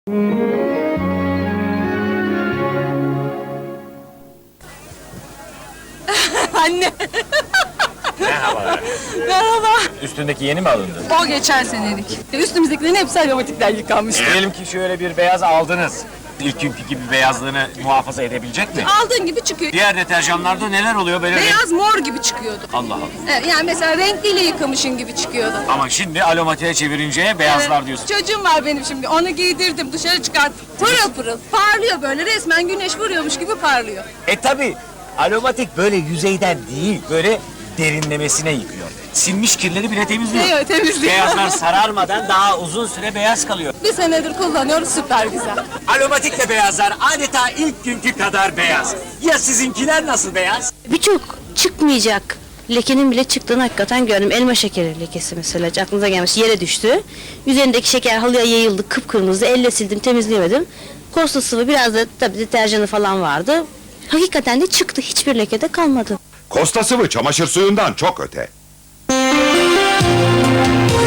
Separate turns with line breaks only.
Anne!
Merhabalar.
Merhaba!
Üstündeki yeni mi alındı?
O geçen senelik. Üstümüzdekilerin hepsi aromatikten yıkanmış.
Diyelim ki şöyle bir beyaz aldınız. İlk günkü gibi beyazlığını muhafaza edebilecek mi?
Aldığın gibi çıkıyor.
Diğer deterjanlarda neler oluyor böyle?
Beyaz mor gibi çıkıyordu.
Allah Allah.
Evet, yani mesela renkliyle yıkamışın gibi çıkıyordu.
Ama şimdi aromatiğe çevirince beyazlar
Evet.
diyorsun.
Çocuğum var benim şimdi, onu giydirdim, dışarı çıkarttım. Pırıl pırıl, parlıyor böyle, resmen güneş vuruyormuş gibi parlıyor.
Tabi aromatik böyle yüzeyden değil, böyle derinlemesine yıkıyor. Sinmiş kirleri bile temizliyor.
Evet, temizliyor.
Beyazlar sararmadan daha uzun süre beyaz kalıyor.
Bir senedir kullanıyoruz, süper güzel.
Aromatikle beyazlar adeta ilk günkü kadar beyaz. Ya sizinkiler nasıl beyaz?
Birçok çıkmayacak lekenin bile çıktığını hakikaten gördüm. Elma şekeri lekesi mesela, hiç aklınıza gelmiş, yere düştü. Üzerindeki şeker halıya yayıldı, kıpkırmızı, elle sildim, temizleyemedim. Kosta sıvı, biraz da tabii deterjanı falan vardı. Hakikaten de çıktı, hiçbir lekede kalmadı.
Kosta sıvı çamaşır suyundan çok öte.